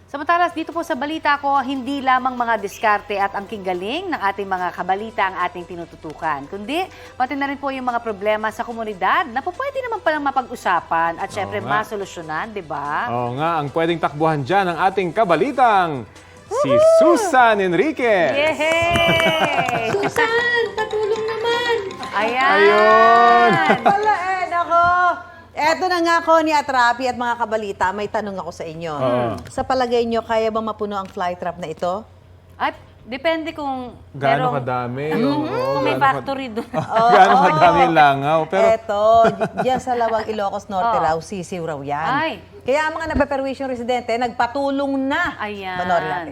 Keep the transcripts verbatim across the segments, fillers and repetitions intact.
Samantalas dito po sa balita ko, hindi lamang mga diskarte at ang galing ng ating mga kabalita ang ating tinututukan, kundi pati na rin po yung mga problema sa komunidad na po pwede naman palang mapag-usapan at syempre nga. masolusyonan, di ba? Oo nga, ang pwedeng takbuhan dyan ang ating kabalitang si Susan Enriquez. Yehey! Susan, patulong naman! Ayan! Ayun! Wala eh, nako. Eto na nga ko ni Atrapi at mga kabalita, may tanong ako sa inyo. Oo. Sa palagay nyo, kaya ba mapuno ang flytrap na ito? Ay, depende kung Gaano merong- kadami? Mhm, Oo, kung may gaano ka- factory doon. Gaano kadami yung langaw? Pero Eto, diyan sa Lawag, Ilocos Norte Oo. raw, sisiw raw yan. Ay. Kaya ang mga napaperwisyong residente, nagpatulong na. Ayan. Panoorin natin.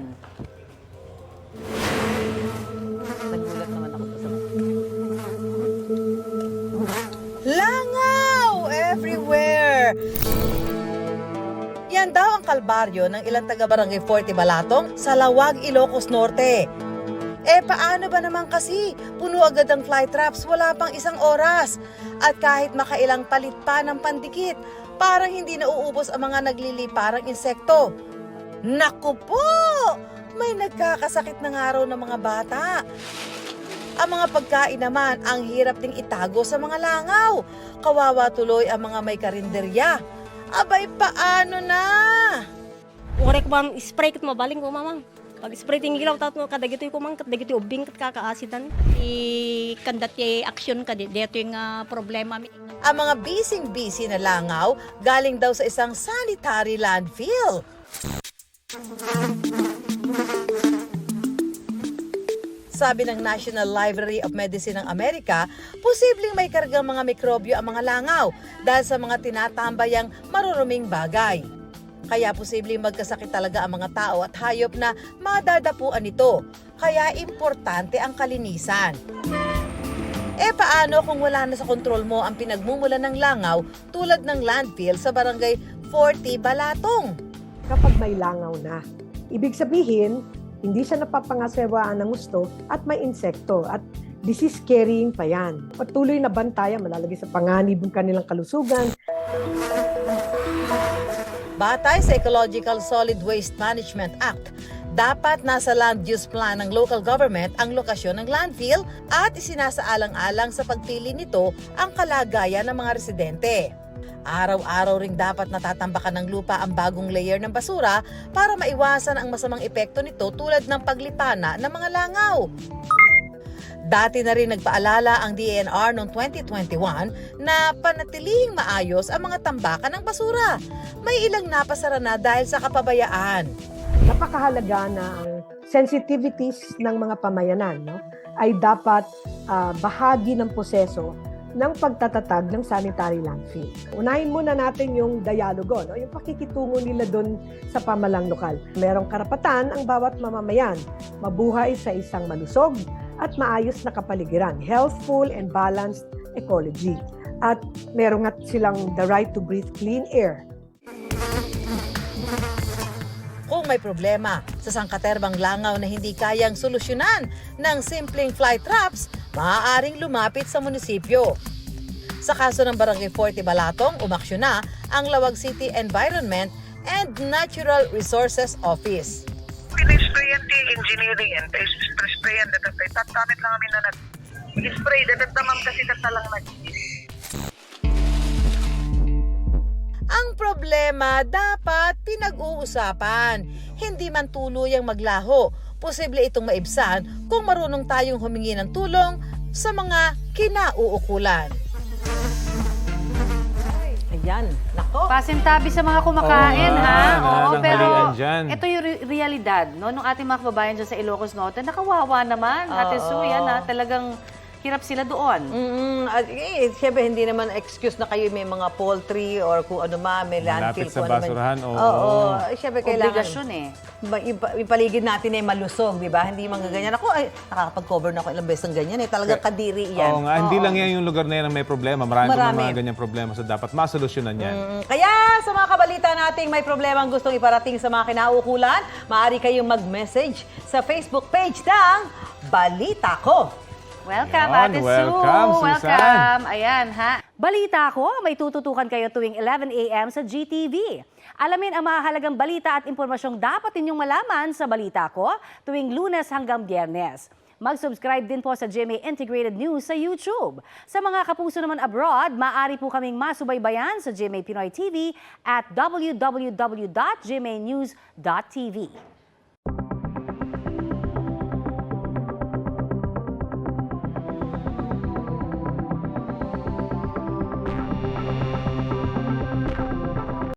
Nagulat naman ako sa Langaw everywhere! Yan daw ang kalbaryo ng ilang taga-barangay Forty Balatong sa Lawag, Ilocos Norte. Eh paano ba naman kasi? Puno agad ang flytraps, wala pang isang oras. At kahit makailang palit pa ng pandikit, parang hindi nauubos ang mga nagliliparang insekto. Naku po! May nagkakasakit ng araw ng mga bata. Ang mga pagkain naman, ang hirap ding itago sa mga langaw. Kawawa tuloy ang mga may karinderya. Abay, paano na? Ure ko ma'am, spray ko mabaling ko mamang. Pag spray ting ilaw tato kadagito ko mang kadagito ubing kat kakaasidan. I kandat ye action ka di dito yung ah, problema mi. Ang mga bising-busy na langaw galing daw sa isang sanitary landfill. Sabi ng National Library of Medicine ng Amerika, posibleng may kargang mga mikrobyo ang mga langaw dahil sa mga tinatambayang maruruming bagay. Kaya posibleng magkasakit talaga ang mga tao at hayop na madadapuan nito. Kaya importante ang kalinisan. Eh paano kung wala na sa kontrol mo ang pinagmumulan ng langaw tulad ng landfill sa barangay Forty Balatong? Kapag may langaw na, ibig sabihin, hindi siya napapangasewaan ng gusto at may insekto at disease carrying pa yan. Patuloy na bantayan, malalagay sa panganib ang kanilang kalusugan. Batay sa Ecological Solid Waste Management Act, dapat nasa land use plan ng local government ang lokasyon ng landfill at isinasaalang-alang sa pagpili nito ang kalagayan ng mga residente. Araw-araw ring dapat natatambakan ng lupa ang bagong layer ng basura para maiwasan ang masamang epekto nito tulad ng paglipana ng mga langaw. Dati na rin nagpaalala ang D E N R noong twenty twenty-one na panatilihing maayos ang mga tambakan ng basura. May ilang napasara na dahil sa kapabayaan. Napakahalaga na ang sensitivities ng mga pamayanan, no, ay dapat ah, bahagi ng proseso ng pagtatatag ng sanitary landfill. Unahin muna natin yung dialogo, no? Yung pakikitungo nila doon sa pamalang lokal. Merong karapatan ang bawat mamamayan mabuhay sa isang malusog at maayos na kapaligiran, healthful and balanced ecology. At meron nga silang the right to breathe clean air. Kung may problema sa sangkaterbang langaw na hindi kayang solusyonan ng simpleng fly traps, maaaring lumapit sa munisipyo. Sa kaso ng Barangay Forty Balatong, umaksyon na ang Lawag City Environment and Natural Resources Office. Pina-sprayan ti engineering yan, tayo sprayan datatay. Tatamit lang kami na nag-spray, datatamam kasi tatalang nag Ang problema dapat pinag-uusapan, hindi man tuluyang maglaho. Posible itong maibsan kung marunong tayong humingi ng tulong sa mga kinauukulan. Ayan, nako. Pasintabi sa mga kumakain, Oo nga, ha? Oo, nananghalian pero dyan. ito yung re- realidad, no? Nung ating mga kababayan dyan sa Ilocos Norte, nakawawa naman. Ate Oo. Sue, yan, ha? Talagang hirap sila doon. Mm, at eh, siyempre hindi naman excuse na kayo may mga poultry or kung ano ma, may landfill. Malapit sa kung ano man. basurahan, oo. Oo, eh, siyempre kailangan. Obligasyon, eh. Ba, ipa- ipaligid natin ay malusog, di ba? Hindi mga ganyan. Ako, ay, nakakapag-cover na ako ilang beses ng ganyan. Eh. Talagang kadiri yan. Oo nga, hindi lang yan yung lugar na yan ang may problema. Marami, Marami. pa mga ganyang problema. So dapat masolusyonan yan. Mm, kaya sa mga kabalita nating may problema ang gustong iparating sa mga kinauukulan, maaari kayong mag-message sa Facebook page ng Balita Ko. Welcome, Ayan, Ate Sue. welcome, Susan. Welcome. Ayan, ha. Balita ko, may tututukan kayo tuwing eleven a m sa G T V. Alamin ang mahalagang balita at impormasyong dapat ninyong malaman sa Balita Ko tuwing Lunes hanggang Biyernes. Mag-subscribe din po sa G M A Integrated News sa YouTube. Sa mga kapuso naman abroad, maaari po kaming masubaybayan sa G M A Pinoy T V at w w w dot g m a news dot t v.